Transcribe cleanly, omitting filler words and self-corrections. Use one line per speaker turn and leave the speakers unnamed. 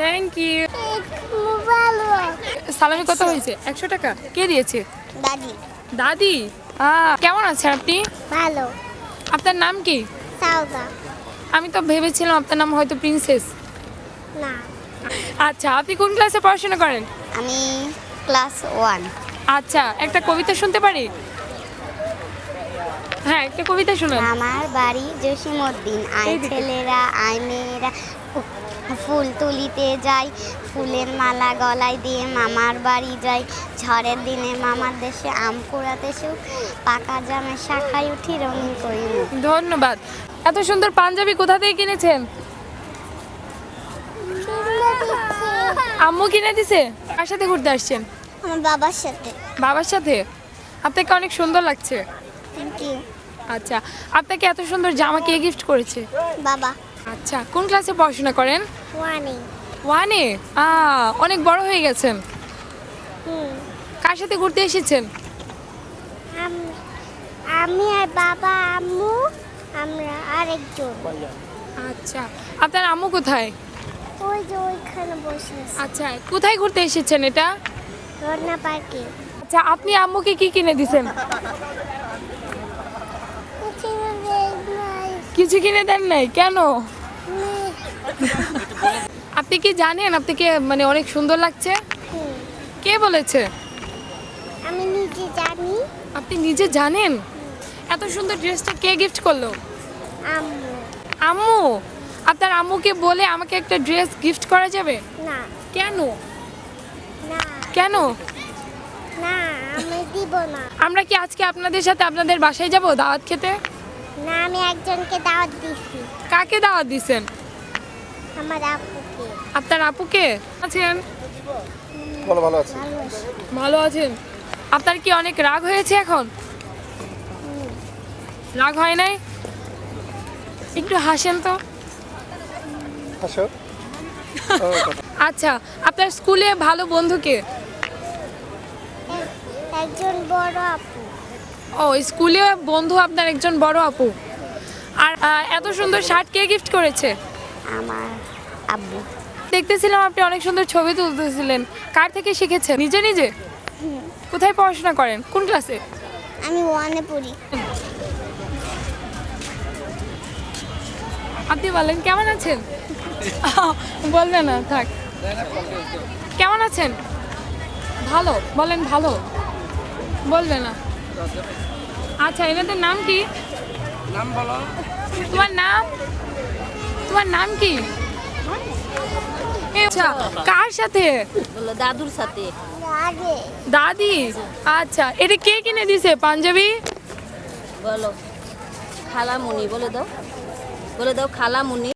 Thank you. সালামি কত হয়েছে? 100 টাকা। কে দিয়েছে?
দাদি।
দাদি। কেমন আছেন আপনি?
ভালো।
আপনার নাম কি?
সাউদা।
আমি তো ভেবেছিলাম আপনার নাম হয়তো প্রিন্সেস।
না,
আচ্ছা, আপনি কোন ক্লাসে পড়াশোনা করেন?
আমি ক্লাস 1।
আচ্ছা, একটা কবিতা শুনতে পারি? হ্যাঁ, একটা কবিতা শুনুন।
আমার বাড়ি জসিমউদ্দিন, আয় ছেলেরা আয় মেয়েরা ফুল তুলিতে যাই, ফুলের মালা গলায় দিয়ে মামার বাড়ি যাই, ঝড়ের দিনে মামার দেশে আম কুড়াতে সুখ, পাকা জামের শাখায় উঠি রঙিন করি মুখ।
ধন্যবাদ। এত সুন্দর পাঞ্জাবি কোথা থেকে কিনেছেন? আম্মু কিনে দিছে? কার সাথে ঘুরতে আসছেন?
আমার বাবার সাথে।
বাবার সাথে? আপনাকে অনেক সুন্দর লাগছে।
Thank you.
আচ্ছা, আপনাকে এত সুন্দর জামা কে গিফট করেছে?
বাবা।
আচ্ছা, কোন ক্লাসে পড়াশোনা করেন?
1-এ।
1-এ? অনেক বড় হয়ে গেছেন। কার সাথে ঘুরতে এসেছেন?
আমি আর বাবা আম্মু, আমরা আরেকজন।
আচ্ছা, আপনার আম্মু কোথায়?
ওই যে ওইখানে বসে আছে,
আচ্ছা, কোথায় ঘুরতে এসেছেন এটা?
রত্না পার্কে।
আচ্ছা, আপনি আম্মুকে কি কিনে দিছেন? কিছু কিনে দেন নাই কেন? আপনি কি জানেন আপনাকে মানে অনেক সুন্দর লাগছে? কে বলেছে?
আমি নিজে জানি।
আপনি নিজে জানেন? এত সুন্দর ড্রেসটা কে গিফট করলো?
আম্মু।
আম্মু? আপনার আম্মুকে বলে আমাকে একটা ড্রেস গিফট করা যাবে?
না।
কেন?
না।
কেন?
না, আমি দিব না।
আমরা কি আজকে আপনাদের সাথে আপনাদের বাসায় যাব দাওয়াত খেতে?
না, আমি একজনকে দাওয়াত দিছি।
কাকে দাওয়াত দিছেন?
আমার আপুকে।
আপনার আপুকে? আছেন?
ভালো আছি।
ভালো আছি।
ভালো আছেন। আপনার কি অনেক রাগ হয়েছে এখন? রাগ হয় নাই? একটু হাসেন তো।
হাসো।
আচ্ছা, আপনার স্কুলে ভালো বন্ধু কে?
একজন বড় আপু।
ও, স্কুলে বন্ধু আপনার একজন বড় আপু। আর এত সুন্দর শার্ট কে গিফট করেছে?
আমার আব্বু।
দেখতেছিলাম আপনি অনেক সুন্দর ছবি তুলতেছিলেন। কার থেকে শিখেছেন? নিজে নিজে? কোথায় পড়াশোনা করেন? কোন ক্লাসে?
আমি 1-এ পড়ি।
আপনি বলেন কেমন আছেন? বলবে না, থাক। কেমন আছেন? ভালো। বলেন ভালো। বলবে না। আচ্ছা, এনাদের নাম কি?
নাম বলো।
তোমার নাম? তোমার নাম কি? আচ্ছা, কার সাথে?
বলো দাদুর সাথে।
আগে।
দাদি। আচ্ছা, এটা কে কিনে দিছে পাঞ্জাবি?
বলো খালামুনি, বলে দাও, বলে দাও খালামুনি।